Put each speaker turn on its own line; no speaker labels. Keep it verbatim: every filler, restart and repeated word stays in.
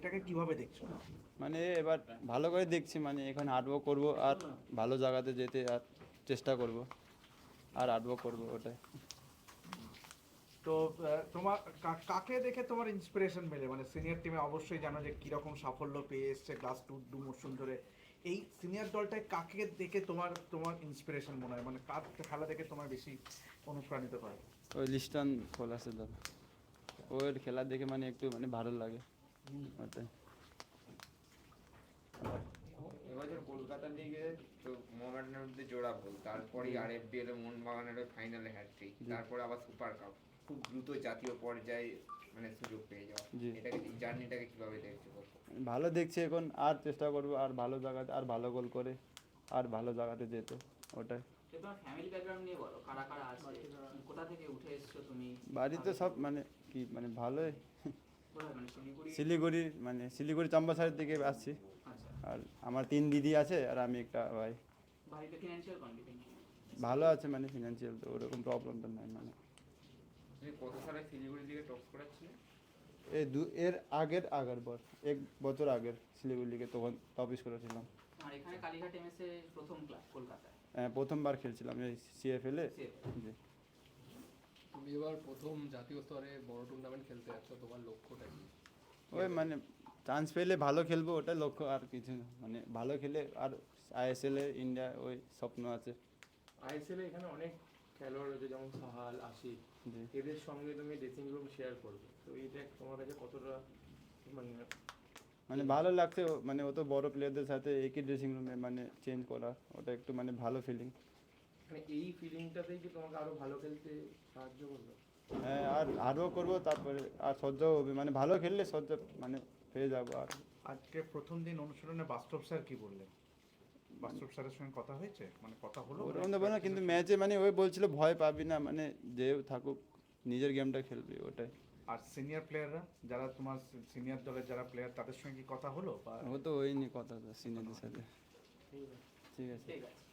এটাকে কিভাবে দেখছো?
মানে এবার ভালো করে দেখছি, মানে এখন হার্ডওয়ার্ক করবো আর ভালো জায়গাতে যেতে আর চেষ্টা করব আর হার্ডওয়ার্ক করবো ওটাই।
তো আহ, তোমার কা- কাকে দেখে তোমার ইন্সপিরেশন মেলে? মানে সিনিয়র টিমে অবশ্যই জানো যে কিরকম সাফল্য পেয়ে এসছে লাস্ট টু দু মরশুম ধরে। এই সিনিয়র দলটায় কাকে দেখে তোমার তোমার ইন্সপিরেশন মনে হয়, মানে কার খেলা দেখে তোমার বেশি অনুপ্রাণিত করে?
ওই লিস্টন খোলাসে দল, ওর খেলা দেখে মানে একটু মানে ভালো লাগে ওটাই।
এবছর কলকাতা লিগে তো মোহামেডানের মধ্যে জোড়া গোল, তারপরেই আর এফ বি এল এ মোহনবাগানের ফাইনালে হ্যাটট্রিক, তারপরে আবার সুপার কাপ, খুব দ্রুত জাতীয় পর্যায়ে মানে সুযোগ পেয়ে যাওয়া।
জি।
এটাকে জার্নিটাকে কিভাবে দেখছো?
ভালো দেখছি এখন, আর চেষ্টা করবো আর ভালো জায়গাতে আর ভালো গোল করে আর ভালো জায়গাতে যেতে ওটাই।
তোমার ফ্যামিলি ব্যাকগ্রাউন্ড নিয়ে বলো, কারা কারা আছে, কোথা থেকে উঠে এসছো তুমি?
বাড়িতে সব মানে কি মানে ভালোই,
কোথায়, মানে শিলিগুড়ি?
শিলিগুড়ি মানে শিলিগুড়ি চম্পাসারের দিকে আসছি।
আচ্ছা।
আর আমার তিন দিদি আছে আর আমি একটা ভাই।
বাড়িতে ফিনান্সিয়াল কন্ডিশন?
ভালো আছে, মানে ফিনান্সিয়াল তো ওরকম প্রবলেমটা নাই। মানে
তুমি কত সালে শিলিগুড়ি দিকে টপ করাচ্ছিলে?
এই দু এর আগের আগের বর এক বছর আগের শিলিগুড়ি লিগে তখন টপ স্কোরার ছিলাম।
আর এখানে কালীঘাট এমএস এর প্রথম ক্লাব কলকাতায়?
হ্যাঁ, প্রথমবার খেলছিলাম এই সিএফএল এ।
সে
জি।
তুমি এবার প্রথম জাতীয় স্তরে বড় টুর্নামেন্ট খেলতে যাচ্ছ, তোমার লক্ষ্যটা কি?
ওই মানে চান্স পেলে ভালো খেলবো, ওটাই লক্ষ্য, আর কিছু না। মানে ভালো খেলে আর আইএসএল এ ইন্ডিয়া ওই স্বপ্ন আছে।
আইএসএল এখানে অনেক খেলোয়াড় রয়েছে, যেমন সাহাল, আশিক,
জি।
এদের সঙ্গে তুমি ড্রেসিং রুম শেয়ার করবে, তো এইটা তোমার কাছে কতটা মানে
মানে ভালো লাগছে, ও- মানে অত বড় প্লেয়ারদের সাথে একই ড্রেসিং রুমে মানে চেঞ্জ করা, ওটা একটু মানে ভালো ফিলিং।
মানে এই ফিলিংটাতেই কি তোমাকে আরো ভালো খেলতে সাহায্য করবে?
হ্যাঁ, আর আরও করবো, তারপরে আর সহ্যও হবে, মানে ভালো খেললে সহ্য মানে পেয়ে যাবো। আর
আজকে প্রথম দিন অনুশীলনে বাস্তব স্যার কি বললেন? বাস্তব স্যারের সঙ্গে কথা হয়েছে, মানে কথা হলো?
ওরকম তো না, কিন্তু ম্যাচে মানে ওই বলছিল ভয় পাবি না, মানে যে থাকুক নিজের গেমটা খেলবি ওটাই।
আর সিনিয়র প্লেয়াররা যারা তোমার সিনিয়র দলের যারা প্লেয়ার, তাদের সঙ্গে কি কথা হলো বা?
ও তো হয়নি কথা সিনিয়রদের সাথে।
ঠিক আছে।
ঠিক আছে।
ঠিক আছে।